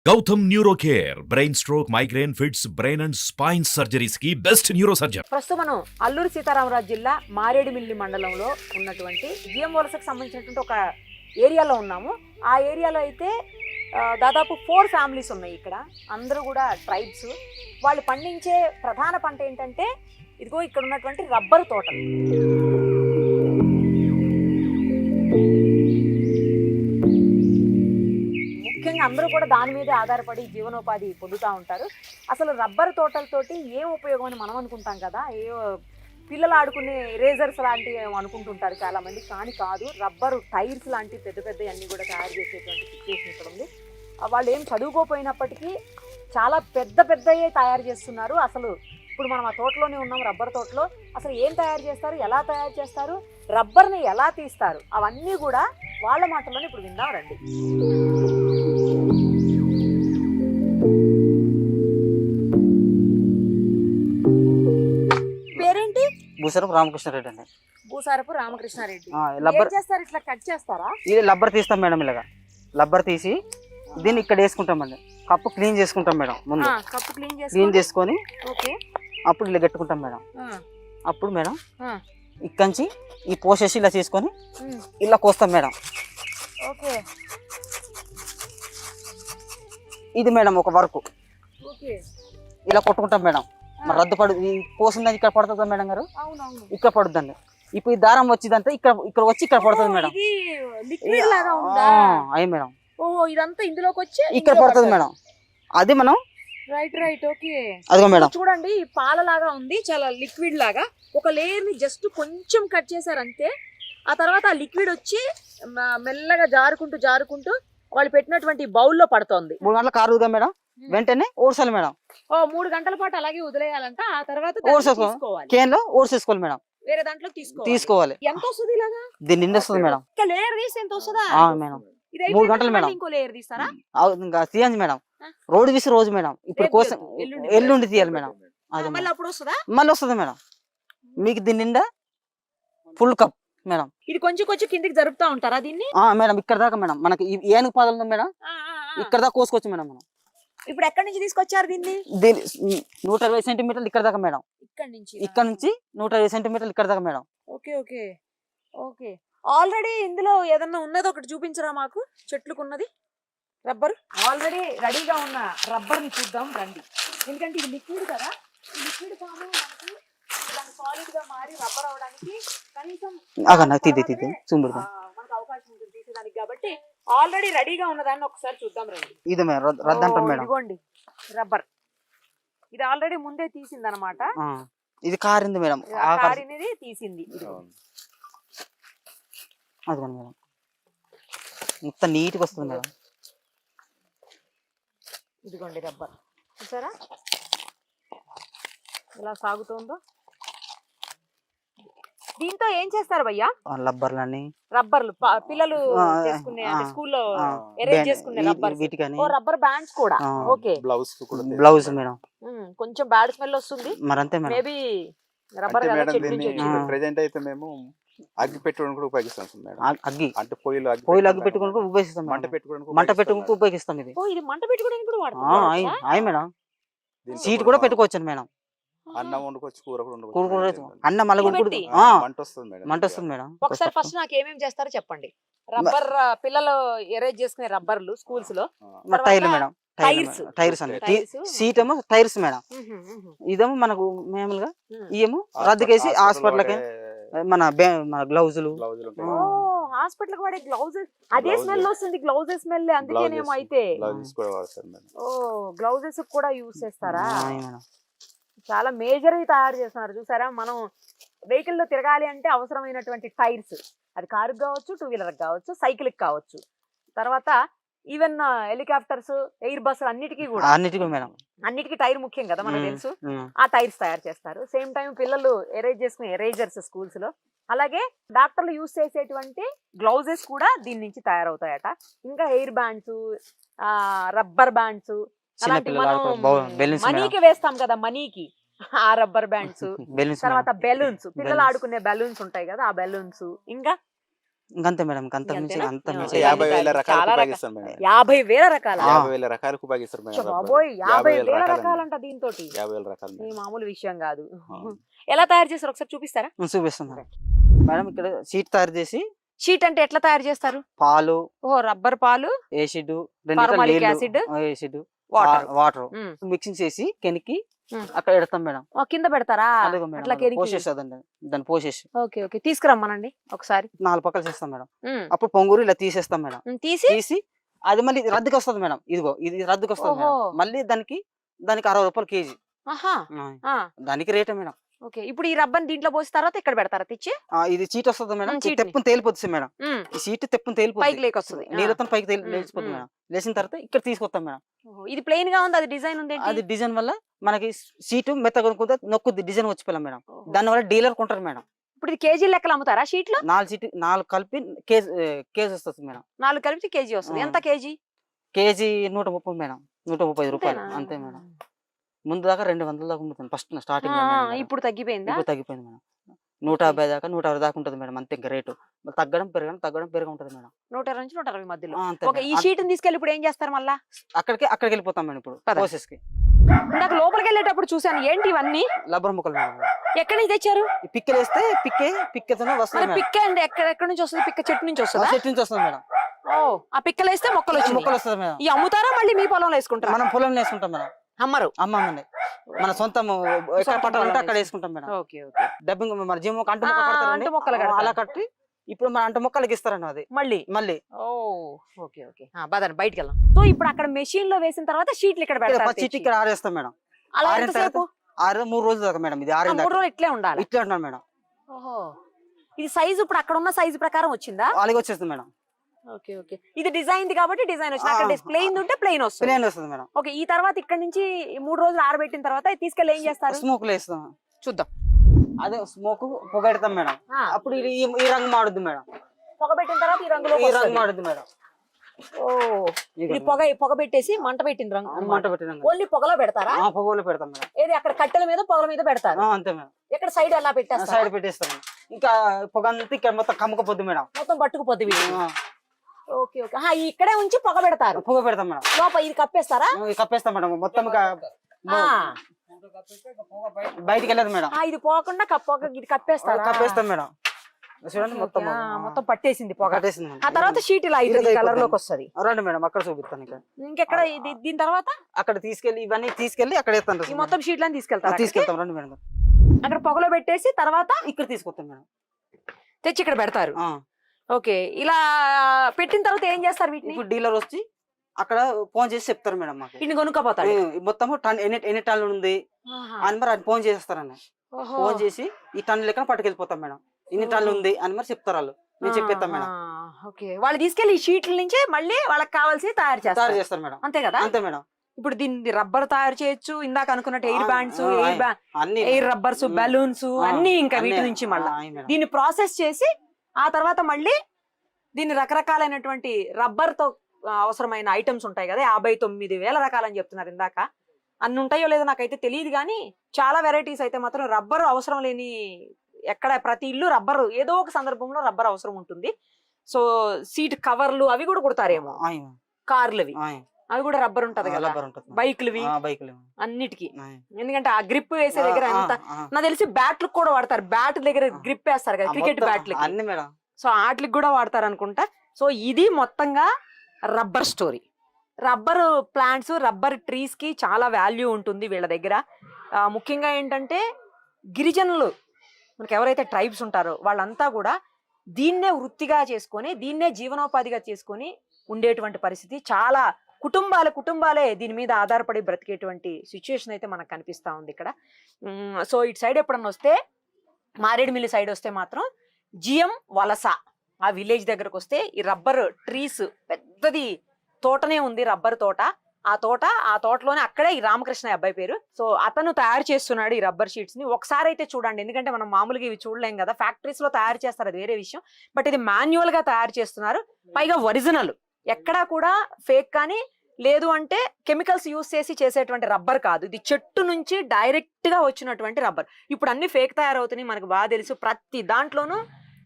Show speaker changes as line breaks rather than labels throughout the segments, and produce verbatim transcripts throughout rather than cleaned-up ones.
Gautam neuro care brain stroke migraine fits brain and spine surgeries కి best neuro surgeon.
ప్రస్తుతం మనం అల్లూరి సీతారామరాజు జిల్లా మారేడుమిల్లి మండలంలో ఉన్నటువంటి జిఎం వలసకు సంబంధించినటువంటి ఒక ఏరియాలో ఉన్నాము. ఆ ఏరియాలో అయితే దాదాపు ఫోర్ ఫ్యామిలీస్ ఉన్నాయి. ఇక్కడ అందరూ కూడా ట్రైబ్స్. వాళ్ళు పండించే ప్రధాన పంట ఏంటంటే ఇదిగో ఇక్కడ ఉన్నటువంటి రబ్బరు తోటలు. ముఖ్యంగా అందరూ కూడా దాని మీద ఆధారపడి జీవనోపాధి పొందుతూ ఉంటారు. అసలు రబ్బరు తోటలతోటి ఏం ఉపయోగం అని మనం అనుకుంటాం కదా, ఏ పిల్లలు ఆడుకునే ఎరేజర్స్ లాంటివి అనుకుంటుంటారు చాలామంది, కానీ కాదు. రబ్బరు టైర్స్ లాంటి పెద్ద పెద్ద అన్నీ కూడా తయారు చేసేటువంటి సిచ్యువేషన్ ఇక్కడ ఉంది. వాళ్ళు ఏం చదువుకోపోయినప్పటికీ చాలా పెద్ద పెద్దయే తయారు చేస్తున్నారు. అసలు ఇప్పుడు మనం ఆ తోటలోనే ఉన్నాం, రబ్బర్ తోటలో. అసలు ఏం తయారు చేస్తారు, ఎలా తయారు చేస్తారు, రబ్బర్ని ఎలా తీస్తారు, అవన్నీ కూడా వాళ్ళ మాటల్లోనే ఇప్పుడు విందాం రండి. పేరేంటి?
భూసారపు రామకృష్ణారెడ్డి అండి.
భూసారపు రామకృష్ణారెడ్డి.
లబ్బర్
చేస్తారు, ఇట్లా కట్ చేస్తారా?
ఇది లబ్బర్ తీస్తాం మేడం. ఇలాగా లబ్బర్ తీసి దీన్ని ఇక్కడ వేసుకుంటామండి. కప్పు క్లీన్ చేసుకుంటాం మేడం. ముందు
కప్పు క్లీన్
క్లీన్ చేసుకొని
ఓకే
అప్పుడు ఇలా కట్టుకుంటాం మేడం. అప్పుడు మేడం ఇక్కడి ఈ పోసేసి ఇలా చేసుకొని ఇలా కోస్తాం మేడం.
ఓకే
ఇది మేడం ఒక వర్క్.
ఓకే
ఇలా కొట్టుకుంటాం మేడం. మరి రద్దు పడు ఈ పోసిందని ఇక్కడ పడుతుందా మేడం గారు? ఇక్కడ పడుద్దండి. ఇప్పుడు ఈ దారం వచ్చిందంటే ఇక్కడ ఇక్కడ వచ్చి ఇక్కడ పడుతుంది మేడం. అయ్యి మేడం
ఇదంతా ఇందులోకి వచ్చి
ఇక్కడ పడుతుంది మేడం. అది మనం
రైట్ రైట్ ఓకే.
అదిగో మేడం
చూడండి, పాల లాగా ఉంది, చాలా లిక్విడ్ లాగా. ఒక లేయర్ ని జస్ట్ కొంచెం కట్ చేశారు అంతే. ఆ తర్వాత ఆ లిక్విడ్ వచ్చి మెల్లగా జారుకుంటూ జారుకుంటూ వాళ్ళు పెట్టినటువంటి బౌల్లో పడుతోంది.
మూడు గంటల కారుగా మేడం. వెంటనే ఓడ్చాలి మేడం.
ఓ మూడు గంటల పాటు అలాగే వదిలేయాలంట. ఆ తర్వాత
కేన్ లో ఓడ్చేసుకోవాలి మేడం.
వేరే దాంట్లో తీసుకోవాలి
తీసుకోవాలి.
ఎంత వస్తుంది ఇలాగా?
దీన్ని నిండి వస్తుంది మేడం.
ఇంకా లేయర్ తీసి ఎంత వస్తుందా
మేడం? మూడు గంటలు మేడం.
ఇంకో లేయర్ తీస్తారా?
ఇంకా తీయండి మేడం. రోడ్డు తీసి రోజు మేడం. ఇప్పుడు కోసం ఎల్లుండి తీయాలి మేడం. అది
మళ్ళీ అప్పుడు వస్తుందా?
మళ్ళీ వస్తుంది మేడం. మీకు దీని నిండా ఫుల్ కప్ మేడం.
ఇది కొంచెం కొంచెం కిందికి జరుపుతా ఉంటారా దీన్ని?
మేడం ఇక్కడ దాకా మేడం. మనకి ఏనుగు పాదలు ఉంది మేడం, ఇక్కడ దాకా కోసుకోవచ్చు మేడం. మనం
ఇప్పుడు ఎక్కడి నుంచి తీసుకొచ్చారు దీన్ని?
దీని నూట ఇరవై సెంటీమీటర్లు ఇక్కడ దాకా మేడం.
ఇక్కడ నుంచి
ఇక్కడ నుంచి నూట ఇరవై సెంటీమీటర్లు ఇక్కడ దాకా madam.
Okay okay okay. Already ఇందులో ఏదన్నా ఉన్నది ఒకటి చూపించరా మాకు, చెట్లుకున్నది రబ్బర్. ఆల్రెడీ రెడీగా ఉన్న రబ్బర్ ని చూద్దాం రండి. ఎందుకంటే ఇది లిక్విడ్ కదా, ఈ లిక్విడ్ ఫామ్ మనకి సాలిడ్ గా మారి రబ్బర్ అవడానికి కనీసం మనకు అవకాశం ఉంటుంది తీసేదానికి. కాబట్టి ఆల్రెడీ రెడీగా ఉన్నదాన్ని ఒకసారి చూద్దాం రండి.
ఇది
ఇదిగోండి రబ్బర్. ఇది ఆల్రెడీ ముందే తీసింది అనమాట.
ఇది కారింది మేడం.
కారినది తీసింది.
అది మేడం మొత్తం నీట్గా వస్తుంది మేడం.
ఇదిగోండి రబ్బర్ చూసారా ఎలా సాగుతుందో. దీంతో ఏం చేస్తారు భయ్యా?
రబ్బర్లని
రబ్బర్లు పిల్లలు చేసుకునే స్కూల్లో అరేంజ్ చేసుకునే రబ్బర్. ఓ రబ్బర్ బ్యాండ్స్ కూడా. Okay
blouse blouse madam.
కొంచెం బ్యాడ్ స్మెల్ వస్తుంది
మరంతే మేడం.
మేబీ రబ్బర్
ప్రెజెంట్ అయితే మేము అగ్గి పెట్టుకోవడానికి కూడా ఉపయోగిస్తాం మేడం.
అగ్గి అంటే
పొయ్యిలు
పొయ్యిలు అగ్గి పెట్టుకోవడానికి ఉపయోగిస్తాం. మంట పెట్టుకోవడానికి మంట పెట్టుకోవడానికి ఉపయోగిస్తాం. ఇది
ఓ ఇది మంట పెట్టుకోవడానికి కూడా వాడతాం.
అయ్యి మేడం. సీట్ కూడా పెట్టుకోవచ్చు మేడం.
అన్నం వండుకోవచ్చు, కూర కూడా
వండుకోవచ్చు. కూర కూడా అన్నం మళ్ళీ
మంట వస్తుంది మేడం.
మంట వస్తుంది మేడం.
ఒకసారి ఫస్ట్ నాకు ఏమేమి చేస్తారో చెప్పండి. రబ్బర్ పిల్లలు ఎరేంజ్ చేసుకునే రబ్బర్లు స్కూల్స్ లో.
టైర్లు మేడం. టైర్స్ టైర్స్ అండి. సీట్ ఏమో టైర్స్ మేడం. ఇదేమో మనకు మామూలుగా ఇవేమో రద్దుకేసి హాస్పిటల్కి మన మన గ్లౌజులు
హాస్పిటల్ కి వాడే గ్లౌజెస్ అదే స్మెల్ వస్తుంది. గ్లౌజెస్ స్మెల్ అందుకేనేమో. అయితే ఓ గ్లౌజెస్ కూడా యూజ్ చేస్తారా? చాలా మేజర్ గా తయారు చేస్తున్నారు చూసారా. మనం వెహికల్ లో తిరగాలి అంటే అవసరమైనటువంటి టైర్స్, అది కారుకి కావచ్చు, టూ వీలర్ కావచ్చు, సైకిల్ కి కావచ్చు, తర్వాత ఈవెన్ హెలికాప్టర్స్, ఎయిర్ బస్సులు అన్నిటికీ కూడా
అన్నిటికీ మేడం
అన్నిటికీ టైర్ ముఖ్యం కదా మనకు తెలుసు. ఆ టైర్స్ తయారు చేస్తారు. సేమ్ టైం పిల్లలు ఎరేజ్ చేసుకునే ఎరేజర్స్ స్కూల్స్ లో. అలాగే డాక్టర్లు యూజ్ చేసేటువంటి గ్లౌజెస్ కూడా దీని నుంచి తయారవుతాయట. ఇంకా హెయిర్ బ్యాండ్స్, రబ్బర్ బ్యాండ్స్, అలాంటి మనం మనీకి వేస్తాం కదా, మనీకి ఆ రబ్బర్ బ్యాండ్స్, తర్వాత బెలూన్స్, పిల్లలు ఆడుకునే బెలూన్స్ ఉంటాయి కదా, ఆ బెలూన్స్, ఇంకా
ఇంకంతే మేడం ఇంకంత మించి
ఇంకంతేనా?
అంత
ఆ,
మించి
ఇవన్నీ
యాభై వేల
చాలా
రకాలకు
రకాల-
ఉపయోగిస్తారు మేడం
యాభై వేల రకాల
ఆ.
యాభై వేల రకాలకు ఉపయోగిస్తారు మేడం రబ్బరు.
బాబోయ్ యాభై
యాభై వేల
వేల
రకాలు
రకాలంట దీంతో
యాభై వేల రకాలు
ఈ
మేడం.
మామూలు విషయం కాదు
అవును.
ఎలా తయారు చేస్తారు ఒకసారి చూపిస్తారా
చూపిస్తాం మేడం మేడం ఇక్కడ షీట్ తయారు చేసి
షీట్ అంటే ఎట్లా తయారు చేస్తారు
పాలు
ఓ రబ్బర్ పాలు
acid
Formalic acid,
acid
water
water mixing చేసి కెనికి
ఉమ్.
అక్కడ ఎడతాం మేడం
కింద పెడతారా
అదిగో మేడం
అట్లా
అదిగో
కెరికి
పోసేస్తుందండి దాన్ని పోసేసి
ఓకే ఓకే తీసుకురమ్మనండి ఒకసారి
నాలుగు పక్కలు చేస్తాం మేడం
ఉమ్.
అప్పుడు పొంగూరు ఇలా తీసేస్తాం మేడం
ఉమ్, తీసి
తీసి అది మళ్ళీ రద్దుకి వస్తుంది మేడం ఇదిగో ఇది రద్దుకి వస్తుంది మేడం
ఓహో.
మళ్ళీ దానికి దానికి అరవై రూపాయలు కేజీ
ఆహా ఆ,
దానికి రేటే మేడం
ఓకే ఇప్పుడు ఈ రబ్బర్ దీంట్లో పోసిన తర్వాత ఇక్కడ పెడతారా తెచ్చి
ఆ, ఇది చీట్ వస్తుంది మేడం
ఉమ్,
ఇది
చీట్ని.
తెప్పుని తేలిపోతుంది మేడం
ఉమ్,
ఈ సీట్ తెప్పుని తేలిపోతుంది
పైకి లేకొస్తుంది ఆ.
నీళ్ళతో పైకి తేలి
ఉమ్,
లేచిపోతుంది
ఉమ్.
మేడం లేచిన తర్వాత ఇక్కడ తీసుకొస్తాం మేడం
ఓహో, ఇది ప్లెయిన్ గా ఉంది అది డిజైన్ ఉంది ఏంటి?
అది డిజైన్ వల్ల మనకి సీటు మెత్తగా కొనుక్కుంటే నొక్కుద్ది డిజైన్ వచ్చిపోయాం మేడం
ఓహో.
దాని వల్ల డీలర్ కొంటారు మేడం
ఇప్పుడు ఇది కేజీ లెక్కలు అమ్ముతారా షీట్లు
నాలుగు సీటు నాలుగు కలిపి కేజీ కేజీ వస్తుంది మేడం
నాలుగు కలిపి కేజీ వస్తుంది
ఆ.
ఎంత కేజీ
కేజీ నూట ముప్పై మేడం నూట ముప్పై ఐదు రూపాయలు
అంతేనా?
అంతే మేడం ముందు దాకా రెండు వందల దాకా ఉంటుంది ఫస్ట్ స్టార్టింగ్
ఆ, ఇప్పుడు తగ్గిపోయిందా
ఇప్పుడు తగ్గిపోయింది మేడం నూట యాభై దాకా నూట అరవై దాకా ఉంటుంది మేడం అంతే ఇంకా రేటు మళ్ళీ తగ్గడం పెరగడం తగ్గడం పెరగ ఉంటుంది మేడం
నూట ఇరవై నుంచి నూట అరవై మధ్యలో
ఆ, అంతే
ఓకే ఈ
మేడం.
షీట్ తీసుకెళ్ళి ఇప్పుడు ఏం చేస్తారు మళ్ళా
అక్కడికి అక్కడికి వెళ్ళిపోతాం మేడం ఇప్పుడు
పద.
ప్రాసెస్ కి
ఇందాక లోపలికి వెళ్ళేటప్పుడు చూసాను ఏంటి ఇవన్నీ
లబ్బర్ ముక్కలు మేడం
ఎక్కడి నుంచి తెచ్చారు
ఈ పిక్కలు వేస్తే పిక్కే పిక్కతోనే
మరి
వస్తుంది మేడం
పిక్క అండి ఎక్కడ ఎక్కడి నుంచి వస్తుంది పిక్క చెట్టు నుంచి
ఆ
వస్తుందా
చెట్టు నుంచి వస్తుంది మేడం
ఓ ఆ పిక్కలు వేస్తే మొక్కలు వచ్చి
ముక్కలు వస్తుంది మేడం
ఈ అమ్ముతారా మళ్ళీ మీ పొలంలో వేసుకుంటారా
మనం పొలం వేసుకుంటాం మేడం
అమ్మరు
అమ్మమండి మన సొంతం ఎక్కడ
సొంత
పట్టాలంటే
పొలం
అక్కడ వేసుకుంటాం మేడం
ఓకే ఓకే
డబ్బింగ్ మన జిమ్ అంటు
ఆ,
మొక్క కడతారండి.
అంటు మొక్కలు
ఆ,
కడతారు.
అలా కట్టి ఇప్పుడు మన అంటు మొక్కలకి ఇస్తారండి అది
మళ్ళీ
మళ్ళీ
ఓ ఓకే ఓకే బదండి బయటికి వెళ్దాం సో ఇప్పుడు అక్కడ మెషిన్ లో వేసిన తర్వాత షీట్లు ఇక్కడ
ఇక్కడ
పెడతారు
పచ్చి
తెచ్చి.
ఇక్కడ ఆరేస్తాం మేడం
అలా
ఆరిన
ఎంతసేపు
ఆరు మూడు రోజులు దాకా మేడం ఇది
ఆ,
ఆరిన
మూడు
దాకా
రోజులు ఇట్లే ఉండాలి
ఇట్లా అంటున్నాను మేడం
ఓహో ఇది సైజు ఇప్పుడు అక్కడ ఉన్న సైజు ప్రకారం వచ్చిందా
అలాగే వచ్చేస్తుంది మేడం
ఓకే ఓకే ఇది డిజైన్ కాబట్టి డిజైన్ వచ్చింది అక్కడ
ఆ,
ప్లెయిన్ ఉంటే ప్లెయిన్ వస్తుంది
ప్లేన్ వస్తుంది మేడం
ఓకే ఈ తర్వాత ఇక్కడ నుంచి ఈ మూడు రోజులు ఆరబెట్టిన తర్వాత ఇది తీసుకెళ్ళి ఏం చేస్తారు
స్మోక్ వేస్తాం
చూద్దాం
అదే స్మోక్ పొగెడతాం మేడం
ఆ,
అప్పుడు ఇది ఈ- ఈ రంగు మాడుద్ది మేడం
పొగబెట్టిన తర్వాత ఈ రంగులో
ఈ రంగు మాడుద్ది మేడం
ఓ ఇది పొగ పొగ పెట్టేసి మంట పెట్టిన రంగు
మంట పెట్టిన
ఓన్లీ పొగలో పెడతారా
పొగలు పెడతాం మేడం
ఏది అక్కడ కట్టెల మీద పొగల మీద పెడతారు
ఆ, అంతే మేడం
ఎక్కడ సైడ్ ఎలా పెట్టేస్తారు
సైడ్ పెట్టేస్తాం మేడం ఇంకా పొగ అంతా ఇక్కడ మొత్తం కమ్మకపోద్ది మేడం
మొత్తం పట్టుకుపోద్ది వీటిని.
ఆ,
ఓకే ఓకే ఆహా, ఇక్కడే ఉంచి పొగ పెడతారు
పొగ పెడతాం మేడం
లోపల ఇది కప్పేస్తారా
ఇది కప్పేస్తాం మేడం మొత్తం ఇక
ఆ,
బయటికి వెళ్ళదు మేడం
ఆ, ఇది పోకుండా కప్ప పొగ ఇది కప్పేస్తారా
కప్పేస్తాం మేడం చూడండి
ఓకే,
మొత్తం
ఆ, మొత్తం పట్టేసింది పొగ
కట్టేసింది మేడం.
ఆ తర్వాత షీట్ ఇలా
ఇది
కలర్
అయిపోతుంది.
లోకి వస్తది
రండి మేడం అక్కడ చూపిస్తాను ఇక
ఇంకెక్కడ ఇది దీని తర్వాత
అక్కడ తీసుకెళ్లి ఇవన్నీ తీసుకెళ్లి అక్కడ వేస్తాను
ఈ మొత్తం షీట్లను తీసుకెళ్తారు
తీసుకెళ్తాం రండి మేడం
అక్కడ పొగలో పెట్టేసి తర్వాత
ఇక్కడ తీసుకొస్తాం మేడం
తెచ్చి ఇక్కడ పెడతారు
ఆ.
ఓకే ఇలా పెట్టిన తర్వాత ఏం చేస్తారు వీటిని
ఇప్పుడు డీలర్ వచ్చి అక్కడ ఫోన్ చేసి చెప్తారు మేడం మాకు
వీటిని కొనుక్కోపోతాడు
ఏ, మొత్తము టన్ ఎన్ని ఎన్ని టన్నులు ఉంది
ఆహా.
అని మరి అది ఫోన్ చేస్తారన్న
ఓహో.
ఫోన్ చేసి ఈ టన్ను లెక్కన పట్టుకెళ్ళిపోతాం మేడం ఇన్ని టన్నులు ఉంది అని మరి చెప్తారు వాళ్ళు మేము చెప్పేస్తాం మేడం
ఆహా, ఓకే వాళ్ళు తీసుకెళ్లి ఈ షీట్ల నుంచి మళ్ళీ వాళ్ళకి కావాల్సి తయారు
తయారు
చేస్తారు
చేస్తారు మేడం
అంతే కదా
అంతే మేడం
ఇప్పుడు దీన్ని రబ్బర్ తయారు చేయొచ్చు ఇందాక అనుకున్నట్టు ఎయిర్
ఆ,
బ్యాండ్స్
ఆ,
ఎయిర్ బ్యా
అన్ని
ఎయిర్ రబ్బర్స్
ఉమ్.
బలూన్స్
ఆ,
అన్ని ఇంకా
అన్ని,
వీటి నుంచి మళ్ళీ
ఆ, అయి మేడం.
దీన్ని ప్రాసెస్ చేసి ఆ తర్వాత మళ్ళీ దీన్ని రకరకాలైనటువంటి రబ్బర్ తో ఆ, అవసరమైన ఐటమ్స్ ఉంటాయి కదా యాభై తొమ్మిది వేల రకాలని చెప్తున్నారు ఇందాక అన్ని ఉంటాయో లేదో నాకైతే తెలియదు కానీ చాలా వెరైటీస్ అయితే మాత్రం రబ్బర్ అవసరం లేని ఎక్కడ ప్రతి ఇల్లు రబ్బర్ ఏదో ఒక సందర్భంలో రబ్బర్ అవసరం ఉంటుంది సో సీట్ కవర్లు అవి కూడా కుడతారేమో
అయి మేడం.
కార్లువి
అయి.
అవి కూడా రబ్బర్ ఉంటది
ఆ,
కదా
రబ్బర్ ఉంటుంది మేడం.
బైక్లువి
ఆ, బైకులు
అన్నిటికి
అయి.
ఎందుకంటే ఆ గ్రిప్ వేసే దగ్గర
ఆ,
ఎంత
ఆ, ఆ.
నాకు తెలిసి బ్యాట్లు కూడా వాడతారు బ్యాట్ దగ్గర
ఆ.
గ్రిప్ వేస్తారు కదా
ఆ,
క్రికెట్
మొత్తం
బ్యాట్లకి
అన్ని మేడం
సో వాటికి కూడా వాడతారు అనుకుంటా సో ఇది మొత్తంగా rubber story rubber plants rubber trees కి చాలా వాల్యూ ఉంటుంది వీళ్ళ దగ్గర ఆ, ముఖ్యంగా ఏంటంటే గిరిజనులు మనకి ఎవరైతే ట్రైబ్స్ ఉంటారో వాళ్ళంతా కూడా దీన్నే వృత్తిగా చేసుకొని దీన్నే జీవనోపాధిగా చేసుకొని ఉండేటువంటి పరిస్థితి చాలా కుటుంబాల కుటుంబాలే దీని మీద ఆధారపడి బ్రతికేటువంటి సిచ్యుయేషన్ అయితే మనకు కనిపిస్తా ఉంది ఇక్కడ ఉమ్, సో ఇటు సైడ్ ఎప్పుడన్నా వస్తే మారేడుమిల్లి సైడ్ వస్తే మాత్రం జిఎం వలస ఆ విలేజ్ దగ్గరకు వస్తే ఈ రబ్బర్ ట్రీస్ పెద్దది తోటనే ఉంది రబ్బర్ తోట ఆ తోట ఆ తోటలోనే అక్కడే ఈ రామకృష్ణ అబ్బాయి పేరు సో అతను తయారు చేస్తున్నాడు ఈ రబ్బర్ షీట్స్ ని ఒకసారి అయితే చూడండి ఎందుకంటే మనం మామూలుగా ఇవి చూడలేం కదా ఫ్యాక్టరీస్ లో తయారు చేస్తారు అది వేరే విషయం బట్ ఇది మాన్యువల్ గా తయారు చేస్తున్నారు పైగా ఒరిజినల్ ఎక్కడా కూడా ఫేక్ కానీ లేదు అంటే కెమికల్స్ యూస్ చేసి చేసేటువంటి రబ్బర్ కాదు ఇది చెట్టు నుంచి డైరెక్ట్ గా వచ్చినటువంటి రబ్బర్ ఇప్పుడు అన్ని ఫేక్ తయారవుతున్నాయి మనకు బాగా తెలుసు ప్రతి దాంట్లోనూ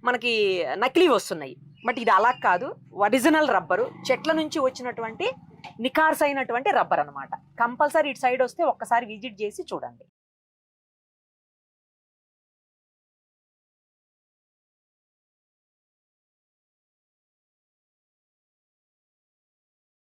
మనకి నకిలీ వస్తున్నాయి. బట్ ఇది అలా కాదు, ఒరిజినల్ రబ్బరు, చెట్ల నుంచి వచ్చినటువంటి నికార్సైనటువంటి రబ్బర్ అన్నమాట. కంపల్సరీ ఇటు సైడ్ వస్తే ఒక్కసారి విజిట్ చేసి చూడండి.